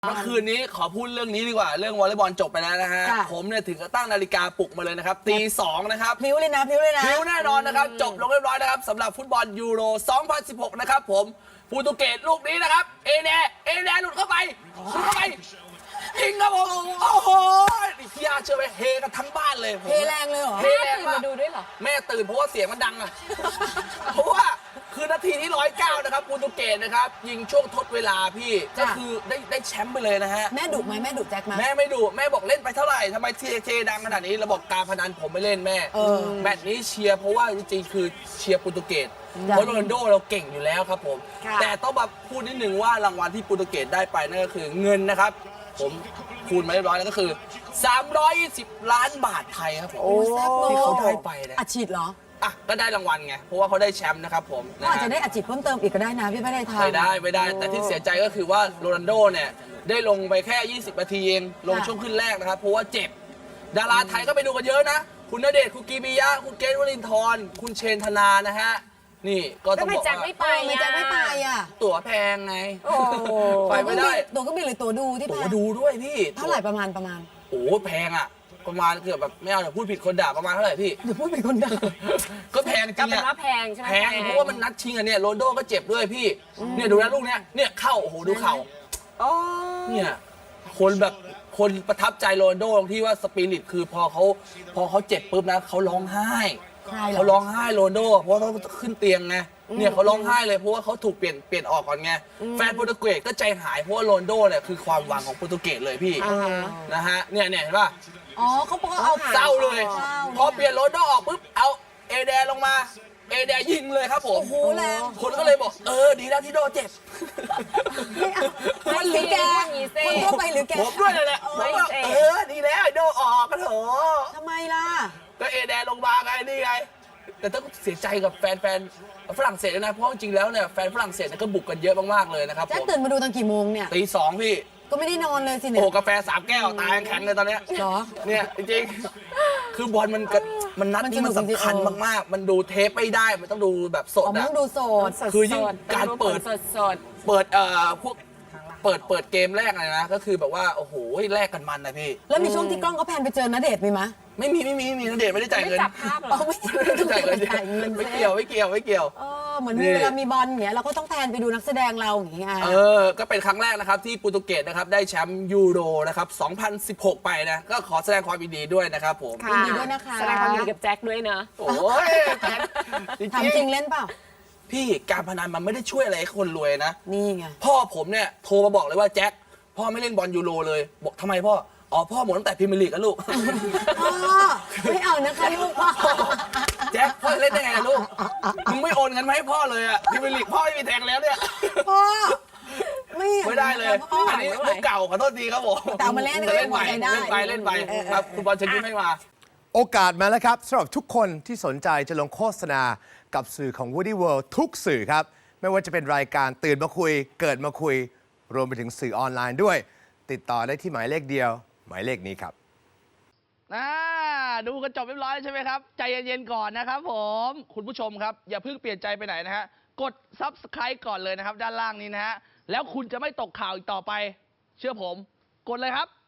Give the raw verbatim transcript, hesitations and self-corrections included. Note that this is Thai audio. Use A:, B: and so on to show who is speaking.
A: เมื่อคืนนี้ขอพูดเรื่องนี้ดีกว่าเรื่องวอลเลย์บอลจบไปแล้วนะฮะผมเนี่ยถึงกับตั้งนาฬิกาปลุกมาเลยนะครับตีสองนะครับ
B: พลิ้วเลยนะพลิ้วเลยนะ
A: พลิ้วแน่นอนนะครับจบลงเรียบร้อยนะครับสำหรับฟุตบอลยูโร สองพันสิบหก นะครับผมโปรตุเกสลูกนี้นะครับเอเนเอเนหลุดเข้าไปหลุดเข้าไปยิงครับผมโอ้โหพี่อาเชื่อไหมเฮกันทั้งบ้านเลย
B: เฮแรงเลยเหรอ
A: เฮแรงมาดูด้วยเหรอแม่ตื่นเพราะว่าเสียงมันดังอะเพราะว่าคือนาทีที่ร้อยเก้านะครับโปรตุเกสนะครับยิงช่วงทดเวลาพี่ก็คือได้ได้แชมป์ไปเลยนะฮะ
B: แม่ดุไหมแม่ดุแจ็คไหม
A: แม่ไม่ดุแม่บอกเล่นไปเท่าไหร่ทำไมทีเจดังขนาดนี้เราบอกการพนันผมไม่เล่นแม่แมตช์นี้เชียร์เพราะว่าจริงๆคือเชียร์โปรตุเกสเพราะโรนัลโดเราเก่งอยู่แล้วครับผมแต่ต้องมาพูดนิดนึงว่ารางวัลที่โปรตุเกสได้ไปนั่นก็คือเงินนะครับผมคูณมาเรียบร้อยแล้วก็คือสามร้อยยี่สิบล้านบาทไทยครับผมที่เขาได้ไปนะ
B: อัดฉีดเหรอ
A: อ่ะก็ได้รางวัลไงเพราะว่าเขาได้แชมป์นะครับผม
B: ก็อาจจะได้อัดฉีดเพิ่มเติมอีกก็ได้นะพี่ไม่ได้ทำ
A: ไม่ได้ไม่ได้แต่ที่เสียใจก็คือว่าโรนัลโดเนี่ยได้ลงไปแค่ยี่สิบนาทีเองลงช่วงขึ้นแรกนะครับเพราะว่าเจ็บดาราไทยก็ไปดูกันเยอะนะคุณณเดชน์คุณกีบียะคุณเกรทวรินทร์คุณเชนธนานะฮะนี่ก็ต้องบอกว่า
B: ไม่ไปไม่จะไม่ไปอ่ะ
A: ตั๋วแพงไงไปไม่ได้
B: ตั๋วก็มีหรือตั๋วดูที่
A: ตั๋วดูด้วยพี่
B: เท่าไหร่ประมาณประมาณ
A: โอ้แพงอ่ะประมาณเกือบแบบไม่เอาเดี๋ยวพูดผิดคนด่าประมาณเท่าไหร่พี่
B: เดี๋ยวพูดผิดคนด่า
A: ก็แพงจริงอะ
C: แพงใช่ไหม
A: แพงเพราะว่ามันนัดชิงอะเนี่ยโรนโดก็เจ็บด้วยพี่เนี่ยดูนะลูกเนี้ยเนี่ยเข้าโอ้โหดูเข่าเนี่ยคนแบบคนประทับใจโรนโดตรงที่ว่าสปิริตคือพอเขาพอเขาเจ็บปุ๊บนะเขาร้องไห้เขาร้องไห้โรนโดเพราะเขาขึ้นเตียงไงเนี่ยเขาร้องไห้เลยเพราะว่าเขาถูกเปลี่ยนเปลี่ยนออกก่อนไงแฟนโปรตุเกสก็ใจหายเพราะว่าโรนโดเนี่ยคือความหวังของโปรตุเกสเลยพี่นะฮะเนี่ยเนี่ยเห็นป่ะ
B: อ๋อเขาบอกเอา
A: เศร้าเลยพอเปลี่ยนโรนโดออกปุ๊บเอาเอเดลงมาเอเดยิงเลยครับผม
B: โอ้โหแรง
A: คนก็เลยบอกเออดีแล้วที่โดเจ็บ
B: มันหรือแกคนทั่วไปหรือแก
A: ผมด้วยเลยแหละเออดีแล้วโดออกก็เถอะ
B: ทำไมล่ะ
A: ก็เอเดลงมาไงนี่ไงแต่ต้องเสียใจกับแฟนๆฝรั่งเศสนะเพราะจริงๆแล้วเนี่ยแฟนฝรั่งเศสก็บุกกันเยอะมากๆเลยนะครับ
B: แจ็คตื่นมาดูตอนกี่โมงเนี่ย
A: ตีสองพี่
B: ก็ไม่ได้นอนเลยสิเนี่ย
A: โอ้กาแฟสามแก้วตายแข็งเลยตอนเนี้ย
B: เหรอ
A: เนี่ยจริงๆคือบอลมันมันนัดนี้มันสำคัญมากๆมันดูเทปไม่ได้มันต้องดูแบบสด
B: อะมันต้องดูสด
A: คือยิ่งการเปิด
C: สด
A: เปิดเอ่อพวกเปิดเปิดเกมแรกเลยนะก็คือแบบว่าโอ้โหแลกกันมันนะพี่
B: แล้วมีช่วงที่กล้องเขาแพนไปเจอณเดชน์มีไหม
A: ไม่มีไม่มีไม่มีณเดชน์ไม่ได้จ่ายเงิน
C: ไม่จับภาพหรอ
A: ไม่ได้จ่ายเงินไม่เกี่ยวไม่เกี่ยวไม่เกี่ยว
B: เออเหมือนเวลามีบอลอย่างเงี้ยเราก็ต้องแพนไปดูนักแสดงเราอย่างเงี้ย
A: เออก็เป็นครั้งแรกนะครับที่โปรตุเกสนะครับได้แชมป์ยูโรนะครับสองพันสิบหกไปนะก็ขอแสดงความยินดีด้วยนะครับผม
B: ยินดีด้วยนะคะ
C: แสดงความยินดีกับแจ็คด้วยนะ
A: โอ้ย
B: ถามจริงเล่นเปล่า
A: พี่การพนันมันไม่ได้ช่วยอะไรให้คนรวยนะ
B: นี่ไง
A: พ่อผมเนี่ยโทรมาบอกเลยว่าแจ็คพ่อไม่เล่นบอลยูโรเลยบอกทำไมพ่ออ๋อพ่อหมดตั้งแต่พรีเมียร์ลีกแล้วลูก
B: พ่อไม่เอานะคะลูกพ่อ
A: แจ็คพ่อเล่นได้ไงลูกมึงไม่โอนเงินมาให้พ่อเลยอะพรีเมียร์ลีกพ่อไม่มีแทงแล้วเนี่ย
B: พ่อไม่
A: ไม่ได้เลยอันนี้ลูกเก่าขอโทษทีครับผม
B: แต่มาเล่น
A: เล่นไปเล่นไปเล่นไปครับคุณบอลเชิญยิ้มให้มา
D: โอกาสมาแล้วครับสำหรับทุกคนที่สนใจจะลงโฆษณากับสื่อของ Woody World ทุกสื่อครับไม่ว่าจะเป็นรายการตื่นมาคุยเกิดมาคุยรวมไปถึงสื่อออนไลน์ด้วยติดต่อได้ที่หมายเลขเดียวหมายเลขนี้ครับ
A: ดูกันจบเรียบร้อยใช่ไหมครับใจเย็นๆก่อนนะครับผมคุณผู้ชมครับอย่าเพิ่งเปลี่ยนใจไปไหนนะฮะกด ซับสไครบ์ ก่อนเลยนะครับด้านล่างนี้นะฮะแล้วคุณจะไม่ตกข่าวอีกต่อไปเชื่อผมกดเลยครับ